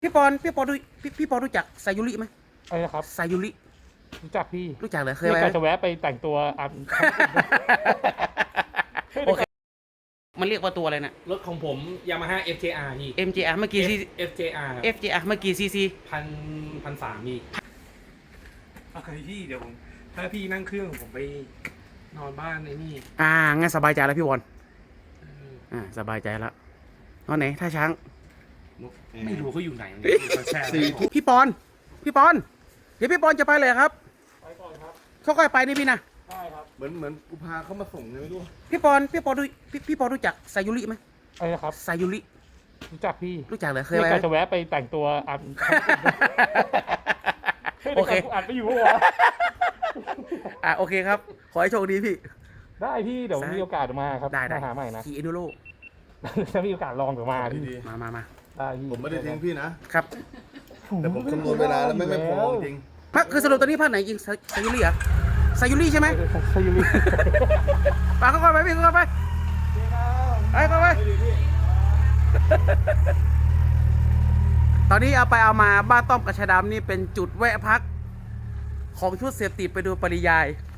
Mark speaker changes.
Speaker 1: พี่ปอนรู้จักไซยุริไหม
Speaker 2: อะไรนะครับ
Speaker 1: ไซยุริ
Speaker 2: รู้จักพี่
Speaker 1: รู้จักเหรอเคย
Speaker 2: ไม่
Speaker 1: ไป
Speaker 2: กะจะแวะไปแต่งตัว
Speaker 1: โอเคมันเรียกว่าตัวอะไรนะ
Speaker 3: รถของผมยามาฮ่า FJR พี่
Speaker 1: MJR เมื่อกี้ซี
Speaker 3: FJR
Speaker 1: FJR เมื่อกี้ซี
Speaker 3: พันสามพี่พี่เดี๋ยวผมถ้าพี่นั่งเครื่องผมไปนอนบ้านไอ้นี่
Speaker 1: งั้นสบายใจแล้วพี่บอลสบายใจแล้วนอนไหนท่าช้าง
Speaker 3: ไม่รู้เขาอยู่ไหนแช่
Speaker 1: พี่ปอนเดี๋ยวพี่ปอนจะไปเลยครับ
Speaker 2: ไปก่อนครับ
Speaker 1: ค่อยๆไปนี่พี่นะ
Speaker 2: ใช่ครับ
Speaker 4: เหมือนกูพาเขามาส่งไงไม่รู้
Speaker 1: พี่ปอนรู้จักไซยุริไหม
Speaker 2: อะไรนะครับ
Speaker 1: ไซยุริ
Speaker 2: รู้จักพี่
Speaker 1: รู้จักเหรอเคย
Speaker 2: ไม่
Speaker 1: ไป
Speaker 2: กะจะแวะไปแต่งตัว
Speaker 1: โอเค
Speaker 2: อ่านไปอยู่วะ
Speaker 1: โอเคครับขอให้โชคดีพี่
Speaker 2: ได้พี่เดี๋ยวมีโอกาสมาครับ
Speaker 1: ได้
Speaker 2: มาหาใหม่นะ
Speaker 1: ขี่เอนูโร
Speaker 2: ถ้ามีโอกาสลองเดี๋ยวมาพี่
Speaker 4: ดี
Speaker 1: มา
Speaker 2: ได้พี่
Speaker 4: ๆผมไม่ได้ทิ้งพี่นะ
Speaker 1: ครับ
Speaker 4: แต่ผมคำนวณเวลาแล้วไม่พอจริง
Speaker 1: พักคือสรุปตอนนี้ภาคไหนจริงไซยุริเหรอไซยุริใช่ไหม
Speaker 2: ใช่ยูริ
Speaker 1: ไปค่อยๆไปพี่ค่อยๆไปค่อยๆไปตอนนี้เอามาบ้านต้อมกระชายดำนี่เป็นจุดแวะพักของชุดเสพติดไปดูปริยาย